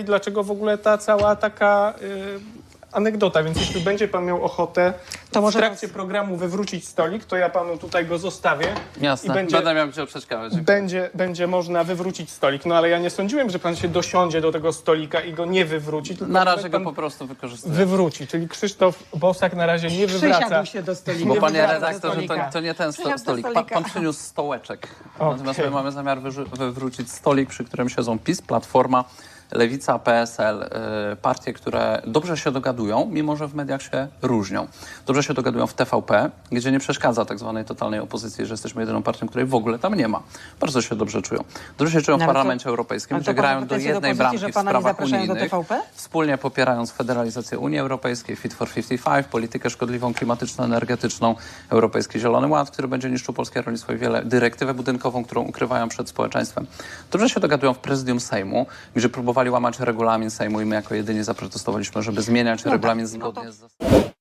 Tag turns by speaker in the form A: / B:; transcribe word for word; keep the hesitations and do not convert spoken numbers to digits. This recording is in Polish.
A: i dlaczego w ogóle ta cała taka y, anegdota. Więc jeśli będzie pan miał ochotę
B: To może
A: w trakcie programu wywrócić stolik, to ja panu tutaj go zostawię.
C: Jasne,
A: I będzie,
C: będę miał gdzie przeszkadzać.
A: będzie, będzie można wywrócić stolik. No ale ja nie sądziłem, że pan się dosiądzie do tego stolika i go nie wywróci, tylko
C: Na razie
A: pan
C: go po prostu wykorzystuję.
A: wywróci. Czyli Krzysztof Bosak na razie nie wywraca.
B: Przysiadł się do stolika.
C: Bo
A: Nie
C: panie
A: wywraca
C: redaktorze, to,
B: stolika.
C: to nie ten sto,
B: Przysiadł do
C: stolik. Pan,
B: stolika.
C: pan przyniósł stołeczek.
A: Okej.
C: Natomiast my mamy zamiar wyrzu- wywrócić stolik, przy którym siedzą PiS, Platforma, Lewica, P S L, y, partie, które dobrze się dogadują, mimo że w mediach się różnią. Dobrze się dogadują w T V P, gdzie nie przeszkadza tak zwanej totalnej opozycji, że jesteśmy jedyną partią, której w ogóle tam nie ma. Bardzo się dobrze czują. Dobrze się czują w
B: No, ale to-
C: Parlamencie Europejskim,
B: ale to
C: gdzie
B: pan
C: grają
B: ma
C: do
B: pretensje do
C: jednej
B: opozycji,
C: bramki
B: że
C: w
B: pana nie
C: sprawach
B: zapraszają do
C: unijnych,
B: T V P?
C: wspólnie popierając federalizację Unii Europejskiej, Fit for pięćdziesiąt pięć, politykę szkodliwą klimatyczno-energetyczną, Europejski Zielony Ład, który będzie niszczył polskie rolnictwo i wiele, dyrektywę budynkową, którą ukrywają przed społeczeństwem. Dobrze się dogadują w prezydium Sejmu, gdzie próbowali łamać regulamin Sejmu i my jako jedyni zaprotestowaliśmy, żeby zmieniać regulamin
B: tak, no to-
C: zgodnie z zasadami.